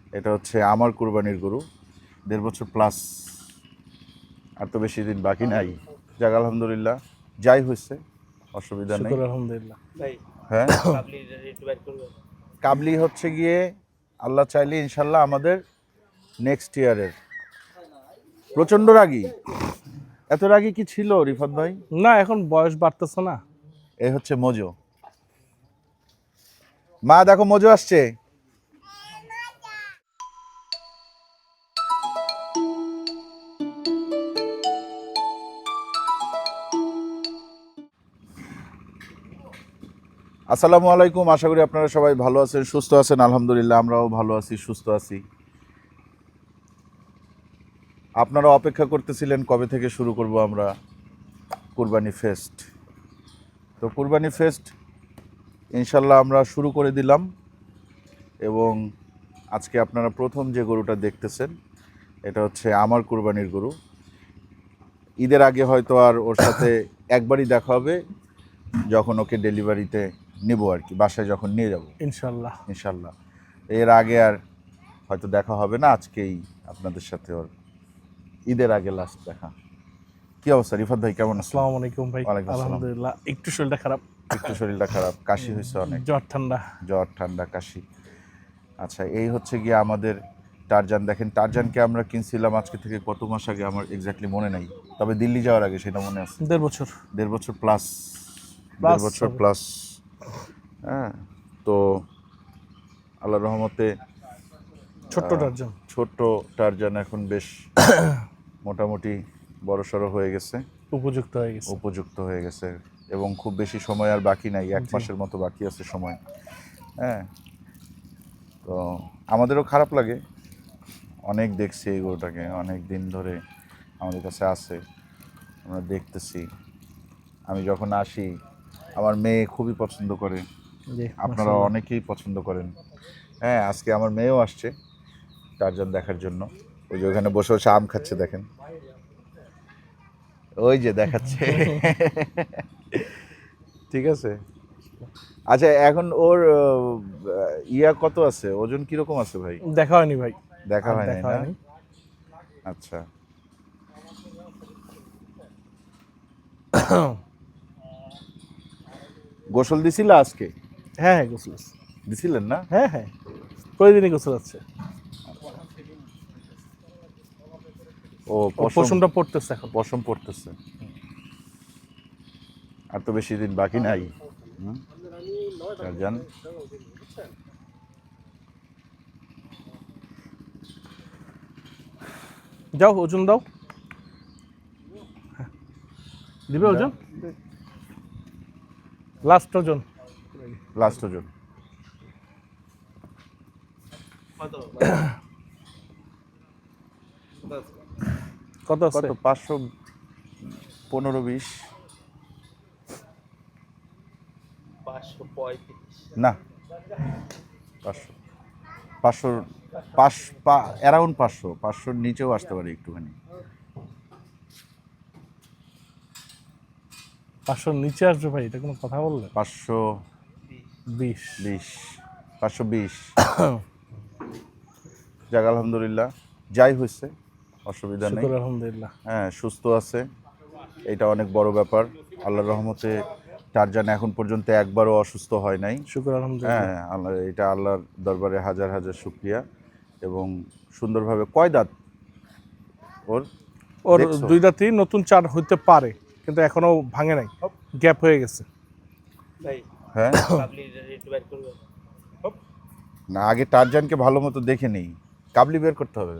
এটা হচ্ছে আমার কুরবানির গরু, 1.5 বছর প্লাস, আর তো বেশি দিন বাকি নাই। যাক আলহামদুলিল্লাহ, যাই হয়েছে অসুবিধা নেই। আলহামদুলিল্লাহ। হ্যাঁ, কাবলি হচ্ছে গিয়ে আল্লাহ চাইলে ইনশাল্লাহ আমাদের নেক্সট ইয়ারের। প্রচন্ড রাগী, এত রাগী কি ছিল রিফাত ভাই? না, এখন বয়স বাড়তেছে না। এই হচ্ছে মজো। মা দেখো মজো আসছে। আসসালামু আলাইকুম, আশা করি আপনারা সবাই ভালো আছেন, সুস্থ আছেন। আলহামদুলিল্লাহ আমরাও ভালো আছি, সুস্থ আছি। আপনারা অপেক্ষা করতেছিলেন কবে থেকে শুরু করব আমরা কুরবানি ফেস্ট। তো কুরবানি ফেস্ট ইনশাল্লাহ আমরা শুরু করে দিলাম, এবং আজকে আপনারা প্রথম যে গরুটা দেখতেছেন এটা হচ্ছে আমার কুরবানির গরু। ঈদের আগে হয়তো আর ওর সাথে একবারই দেখা হবে, যখন ওকে ডেলিভারিতে নেব আর কি, বাসায় যখন নিয়ে যাব ইনশাল্লাহ। ইনশাল্লাহ। এর আগে আর হয়তো দেখা হবে না, আজকেই আপনাদের সাথে ওর ঈদের আগে লাস্ট দেখা। কি অবস্থা রিফাত ভাই, কেমন আছেন? আসসালামু আলাইকুম ভাই। ওয়ালাইকুম আসসালাম। আলহামদুলিল্লাহ, একটু শরীরটা খারাপ। একটু শরীরটা খারাপ, কাশি হয়েছে অনেক, জ্বর ঠান্ডা কাশি। আচ্ছা, এই হচ্ছে গিয়ে আমাদের টারজান। দেখেন, টারজানকে আমরা কিনছিলাম আজকে থেকে কত মাস আগে আমার এক্স্যাক্টলি মনে নাই, তবে দিল্লি যাওয়ার আগে সেটা মনে আছে। 1.5 বছর। 1.5 বছর প্লাস, 1.5 বছর প্লাস। হ্যাঁ, তো আল্লাহর রহমতে ছোট্ট টারজান এখন বেশ মোটামুটি বড়সড় হয়ে গেছে, উপযুক্ত হয়ে গেছে, এবং খুব বেশি সময় আর বাকি নাই, 1 মাসের মতো বাকি আছে সময়। হ্যাঁ, তো আমাদেরও খারাপ লাগে, অনেক দেখছি এই গরুটাকে, অনেক দিন ধরে আমাদের কাছে আছে, আমরা দেখতেছি। আমি যখন আসি আমার মেয়ে খুবই পছন্দ করে, আপনারা অনেকেই পছন্দ করেন। হ্যাঁ, আজকে আমার মেয়েও আসছে টারজান দেখার জন্য। ওই যে ওখানে বসে বসে আম খাচ্ছে, দেখেন, ওই যে দেখাচ্ছে। ঠিক আছে। আচ্ছা, এখন ওর ইয়া কত আছে, ওজন কিরকম আছে ভাই? দেখা হয়নি ভাই, দেখা হয় নাই না? আচ্ছা, গোসল দিছিলা আজকে? হ্যাঁ, গোসল দিছিলেন না? হ্যাঁ, প্রতিদিনই গোসল আছে। ও পশমটা পড়তেছে, এখন পশম পড়তেছে, আর তো বেশি দিন বাকি নাই। টারজান, যাও ওজন দাও, দিবে ওজন, লাস্ট ওজন কত আছে? 515-20 না, 500 অ্যারাউন্ড 500-500 নিচেও আসতে পারে একটুখানি। 500 নিচে আসবে ভাই, এটা কোনো কথা বললে? 520 যাক আলহামদুলিল্লাহ, যাই হয়েছে অসুবিধা নেই। আলহামদুলিল্লাহ। হ্যাঁ, সুস্থ আছে, এটা অনেক বড় ব্যাপার। আল্লাহর রহমতে টারজান এখন পর্যন্ত একবারও অসুস্থ হয় নাই। হ্যাঁ, আল্লাহ, এটা আল্লাহর দরবারে হাজার হাজার শুকরিয়া। এবং সুন্দরভাবে, কয় দাঁত ওর? 2 দাঁতই, নতুন 4 হইতে পারে, কিন্তু এখনো ভাঙে নাই, গ্যাপ হয়ে গেছে। হ্যাঁ, না, আগে টারজানকে ভালো মতো দেখে নেই, কাবলি বের করতে হবে।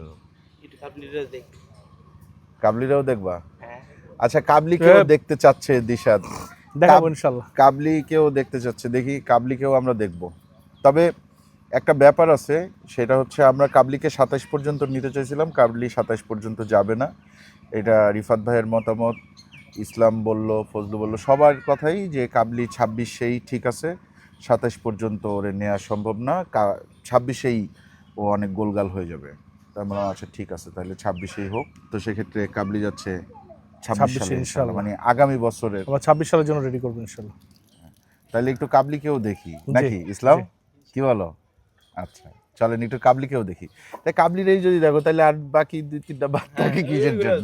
কাবলিরাও দেখবা? আচ্ছা, কাবলিকেও দেখতে চাচ্ছে দিশাদ, দেখাবো ইনশাআল্লাহ। কাবলিকেও দেখতে চাচ্ছে, দেখি কাবলিকেও আমরা দেখব। তবে একটা ব্যাপার আছে, সেটা হচ্ছে আমরা কাবলিকে 27 পর্যন্ত নিতে চাইছিলাম, কাবলি 27 পর্যন্ত যাবে না। এটা রিফাত ভাইয়ের মতামত, ইসলাম বলল, ফজলু বলল, সবার কথাই যে কাবলি 26-এই ঠিক আছে, 27 পর্যন্ত ওরে নেওয়া সম্ভব না, 26-এই ও অনেক গোলগাল হয়ে যাবে। তার মানে আচ্ছা ঠিক আছে, তাহলে 26-এই হোক। তো সেক্ষেত্রে কাবলি যাচ্ছে 26 সালে ইনশাআল্লাহ, মানে আগামী বছরের। আমরা 26 সালের জন্য রেডি করবো ইনশাআল্লাহ। তাহলে একটু কাবলিকেও দেখি নাকি, ইসলাম কি বলো? আচ্ছা চলেন একটু কাবলিকেও দেখি। তাই কাবলিরই যদি দেখো তাহলে আর বাকি 2-3টা বাদ থাকে কিসের জন্য?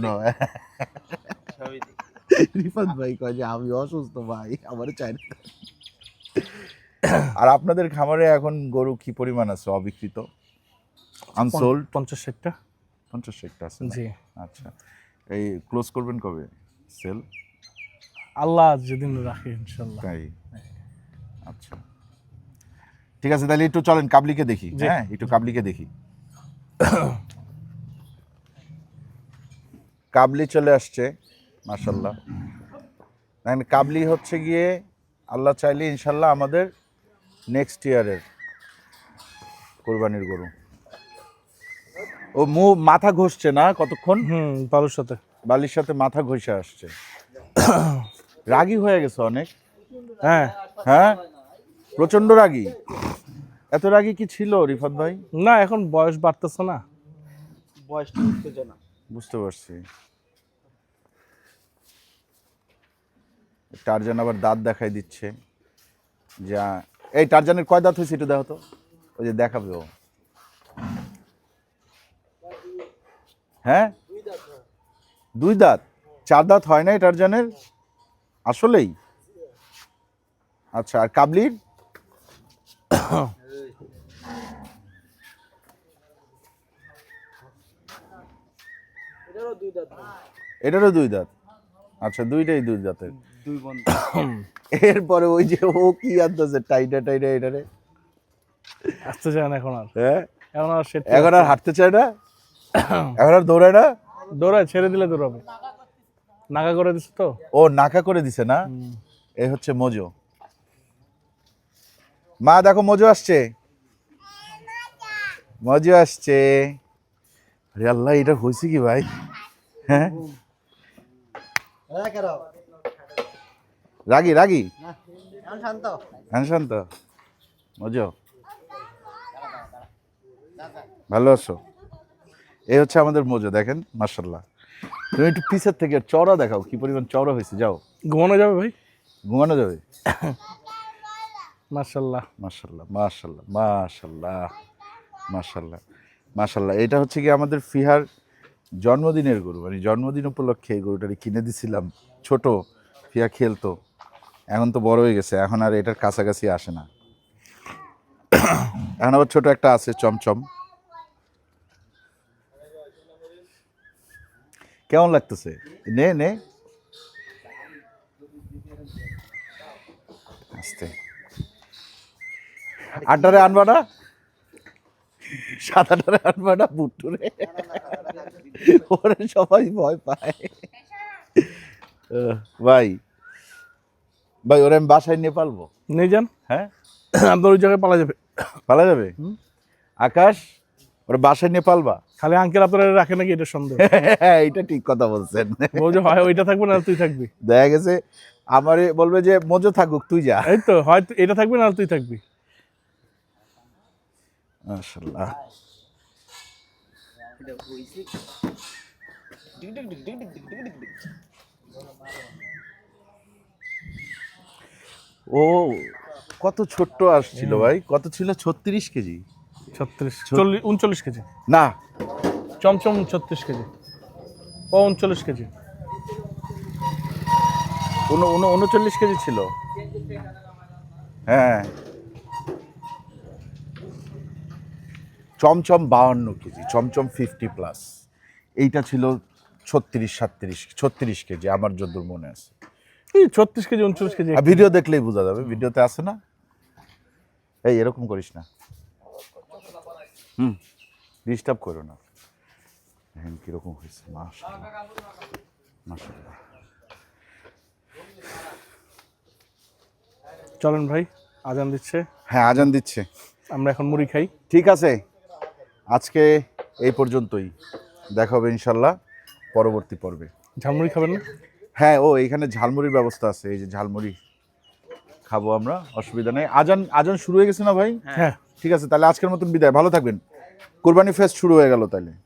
রিফাত ভাই কয় যে আমি অসুস্থ ভাই, আমার চাই না। আর আপনাদের খামারে এখন গরু কি পরিমাণ আছে অবিকৃত, আনসোল্ড? 50-60টা। 50-60টা আছে? জি। আচ্ছা, এই ক্লোজ করবেন কবে সেল? আল্লাহ যেদিন রাখে ইনশাল্লাহ। তাই, আচ্ছা ঠিক আছে, তাহলে একটু চলেন কাবলিকে দেখি। হ্যাঁ, একটু কাবলিকে দেখি। কাবলি চলে আসছে মাশাআল্লাহ। কাবলি হচ্ছে গিয়ে আল্লাহ চাইলে ইনশাল্লাহ আমাদের নেক্সট ইয়ারের কোরবানির গরু। ও মাথা ঘষছে না কতক্ষণ? বালুর সাথে, বালির সাথে মাথা ঘষে আসছে। রাগী হয়ে গেছে অনেক। হ্যাঁ হ্যাঁ, প্রচন্ড রাগী। এত রাগী কি ছিল রিফাত ভাই? না, এখন বয়স বাড়তেছে না, বয়সটা উত্তেজনা। বুঝতে পারছি। টারজান আবার দাঁত দেখাই দিচ্ছে। যা, এই টারজানের কয় দাঁত হয়েছে একটু দেখো তো, ওই যে দেখাবে ও। হ্যাঁ, 2 দাঁত, 4 দাঁত হয় নাই টারজানের আসলেই? আচ্ছা, আর কাবলির? এটারও 2 দাঁত। আচ্ছা, দুইটাই 2 দাঁতের। 2 বন্ধ। এরপরে ওই যে ও কি আনতেছে টাইটা এটারে, আসতে চায় না এখন আর। হ্যাঁ, এখন আর হাঁটতে চায় না, এখন আর দৌড়ায় না। দৌড়ায়, ছেড়ে দিলে দৌড়াবে। নাগা করে দিচ্ছে তো। ও নাকা করে দিছে না? এই হচ্ছে মজো। মা দেখো মজো আসছে, মজো আসছে। আরে আল্লাহ, এটা হয়েছে কি ভাই? হ্যাঁ, রাগি রাগি, শান্ত। মজো, ভালো আছো? এই হচ্ছে আমাদের মজো, দেখেন মাশাআল্লাহ। তুমি একটু পিছের থেকে চওড়া দেখাও, কি পরিমাণ চওড়া হয়েছে। যাও, ঘুমানো যাবে ভাই? ঘুমানো যাবে। মাশাআল্লাহ মাশাআল্লাহ মাশাআল্লাহ মাশাআল্লাহ মাশাআল্লাহ মাশাআল্লাহ। এটা হচ্ছে কি আমাদের ফিহার জন্মদিনের গরু, মানে জন্মদিন উপলক্ষে এই গরুটাকে কিনে দিছিলাম। ছোট ফিয়া খেলতো, এখন তো বড় হয়ে গেছে, এখন আর এটার কাছাকাছি আসে না। এখন আবার ছোট একটা আছে চমচম। কেমন লাগতেছে? নে নে আস্তে। আড্ডারে আনবা না, সাদাটারে আনবা না, বুট্টুরে, ওরে সবাই ভয় পায়। ভাই ভাই, ওরে আমি বাসায় নিয়ে পালবো। নিয়ে যান। হ্যাঁ, আপনার ওই জায়গায় পালা যাবে। পালা যাবে? আকাশ, ওরে বাসায় নিয়ে পালবা? খালি আঙ্কেল আপনারা রাখে নাকি, এটা সন্দেহ। এটা ঠিক কথা বলছেন। বলছে হয় ওইটা থাকবে না তুই থাকবি। দেখা গেছে আমারে বলবে যে মজো থাকুক, তুই যা। এই তো, হয় এটা থাকবে না তুই থাকবি। মাশাআল্লাহ। ও কত ছোট্ট আসছিল ভাই, কত ছিল? 36 কেজি। 39 কেজি না, চমচম 36 কেজি, ও 39 কেজি, 39 কেজি ছিল। হ্যাঁ, চমচম 52 কেজি, চমচম 50+। এইটা ছিল 36 কেজি আমার যতদূর মনে আছে। 36 কেজি 39 কেজি। ভিডিও দেখলেই বোঝা যাবে, ভিডিওতে আছে না? এই এরকম করিস না, ডিস্টার্ব করো না। দেখেন কিরকম হয়েছে, মাশাআল্লাহ মাশাআল্লাহ। চলেন ভাই, আজান দিচ্ছে। হ্যাঁ, আজান দিচ্ছে, আমরা এখন মুড়ি খাই। ঠিক আছে, আজকে এই পর্যন্তই। দেখা হবে ইনশাল্লাহ পরবর্তী পর্বে। ঝালমুড়ি খাবেন না? হ্যাঁ, ও এইখানে ঝালমুড়ির ব্যবস্থা আছে, এই যে ঝালমুড়ি খাবো আমরা, অসুবিধা নেই। আজান শুরু হয়ে গেছে না ভাই? হ্যাঁ, ঠিক আছে, তাহলে আজকের মতন বিদায়, ভালো থাকবেন। কুরবানি ফেস্ট শুরু হয়ে গেল তাহলে।